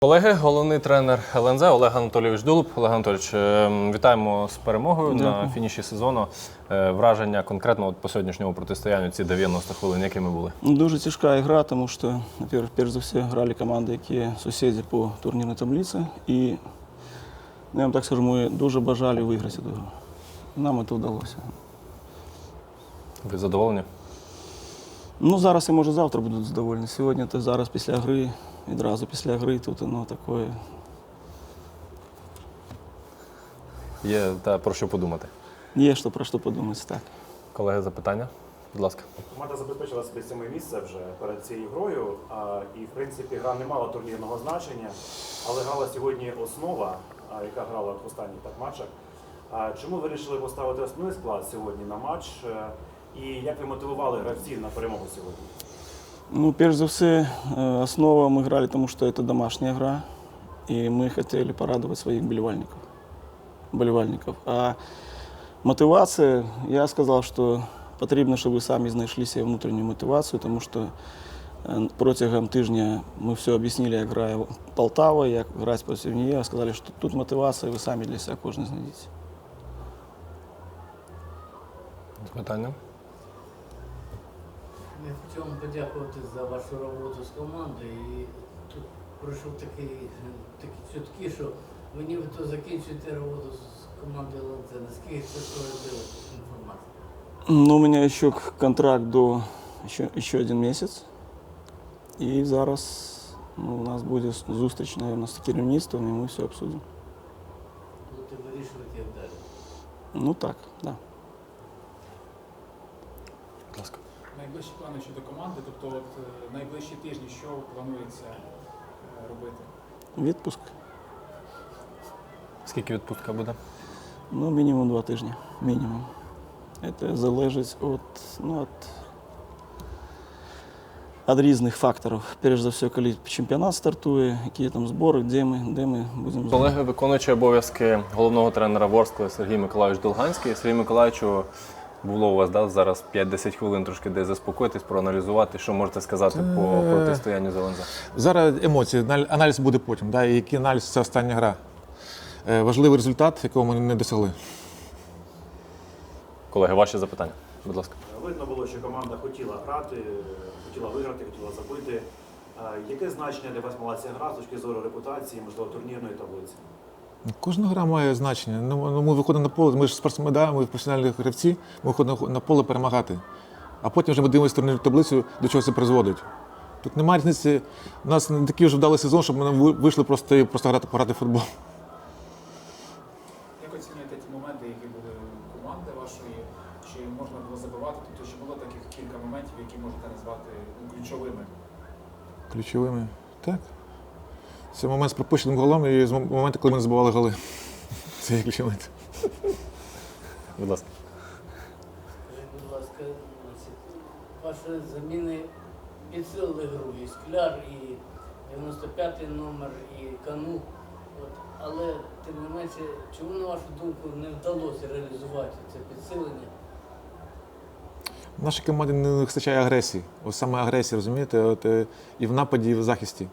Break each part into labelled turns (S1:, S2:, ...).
S1: Колеги, головний тренер ЛНЗ Олег Анатолійович Дулуб. Олег Анатолійович, вітаємо з перемогою на фініші сезону. Враження конкретно по сьогоднішньому протистоянню ці 90 хвилин, якими були?
S2: Дуже тяжка гра, тому що, перш за все, грали команди, які сусіди по турнірній таблиці. І, я вам так скажу, ми дуже бажали виграти цю гру. Нам це вдалося.
S1: Ви задоволені?
S2: Ну, зараз і, може, завтра будуть задоволені. Сьогодні, то зараз після гри, відразу після гри, тут воно таке.
S1: Є про що подумати?
S2: Є про що подумати, так.
S1: Колеги, запитання? Будь ласка.
S3: Команда забезпечила собі 7 місце вже перед цією грою, і, в принципі, гра не мала турнірного значення, але грала сьогодні основа, яка грала в останніх матчах. Чому ви вирішили поставити основний склад сьогодні на матч, і як ви мотивували гравців на перемогу сьогодні?
S2: Ну, перш за все, основа мы играли, потому что это домашняя игра, и мы хотели порадовать своих болельников. А мотивация, я сказал, что потрібно, щоб ви самі знайшли себе внутрішню мотивацію, тому що протягом тижня ми все об'яснили, як грає Полтава, як грати проти неї. Сказали, що тут мотивація, ви самі для себе кожен знайдете.
S1: Запитання?
S4: Я хотів вам подякувати за вашу роботу з командою. І тут пройшов такі чутки, що ви нібито закінчуєте роботу з командою ЛНЗ. Наскільки це справедлива інформація?
S2: Ну, у мене ще контракт до ще один місяць. І зараз у нас буде зустріч, мабуть, з керівництвом, і ми все обсудимо.
S4: Будете вирішувати, як далі?
S2: Ну так, да.
S1: Будь ласка.
S5: Найближчі плани щодо команди, тобто найближчі тижні, що планується робити?
S2: Відпуск.
S1: Скільки відпустка буде?
S2: Ну, мінімум 2 тижні. Мінімум. Це залежить від різних факторів. Перш за все, коли чемпіонат стартує, які там збори, де ми будемо.
S1: Колеги, виконуючий обов'язки головного тренера Ворскли Сергій Миколайович Долганський. Сергій Миколайовичу, було у вас зараз 5-10 хвилин трошки де заспокоїтись, проаналізувати. Що можете сказати по протистоянню з ЛНЗ?
S6: Зараз емоції, аналіз буде потім. І який аналіз – це остання гра. Важливий результат, якого ми не досягли.
S1: Колеги, ваші запитання, будь ласка.
S3: Видно було, що команда хотіла грати, хотіла виграти, хотіла забити. Яке значення для вас мала ця гра з точки зору репутації, можливо, турнірної таблиці?
S6: Кожна гра має значення. Ми виходимо на поле, ми ж спортсмени, ми професіональні гравці, ми виходимо на поле перемагати. А потім вже ми дивимося турнірну таблицю, до чого це призводить. Тут немає різниці. У нас не такий вже вдалий сезон, щоб ми вийшли просто грати в футбол.
S5: Як оцінюєте ті моменти, які були у команди вашої? Чи можна було забивати? Тобто, чи було таких кілька моментів, які можете назвати ключовими?
S6: Ключовими? Так. Це момент з пропущеним голом і момент, коли ми не забивали голи. Це є ключовий.
S1: Будь ласка.
S4: Скажіть, будь ласка, ваші заміни підсилили гру, і Скляр, і 95-й номер, і Кану. Але, тим не менше, чому, на вашу думку, не вдалося реалізувати це підсилення?
S6: В нашій команді не вистачає агресії. Ось саме агресії, розумієте? І в нападі, і в захисті.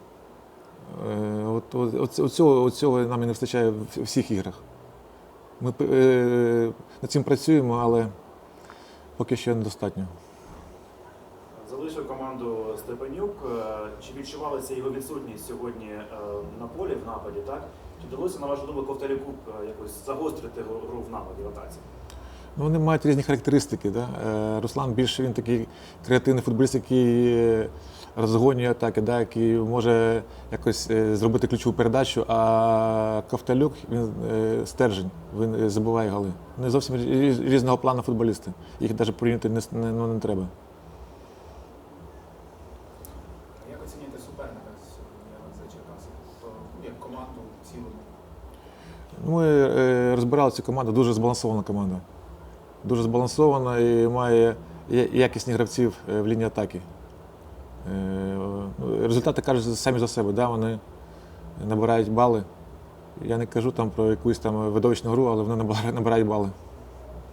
S6: Оцього нам і не вистачає в всіх іграх. Ми над цим працюємо, але поки що недостатньо.
S3: Залишив команду Степанюк. Чи відчувалася його відсутність сьогодні на полі в нападі, так? Чи вдалося, на вашу думку, Ковталюку якось загострити гру в нападі, в атаці?
S6: Вони мають різні характеристики. Да? Руслан більше він такий креативний футболіст, який розгонює атаки, да? Який може якось зробити ключову передачу, а Ковталюк, він стержень, він забиває голи. Вони зовсім різного плану футболісти. Їх навіть порівняти не треба.
S5: Як оцінюєте суперника сьогодні ЛНЗ Черкаси? Тобто, як команду в цілому?
S6: Ми розбирали цю команду, дуже збалансована команда. Дуже збалансована і має якісних гравців в лінії атаки. Результати кажуть самі за себе, да? Вони набирають бали. Я не кажу там про якусь там видовищну гру, але вони набирають бали.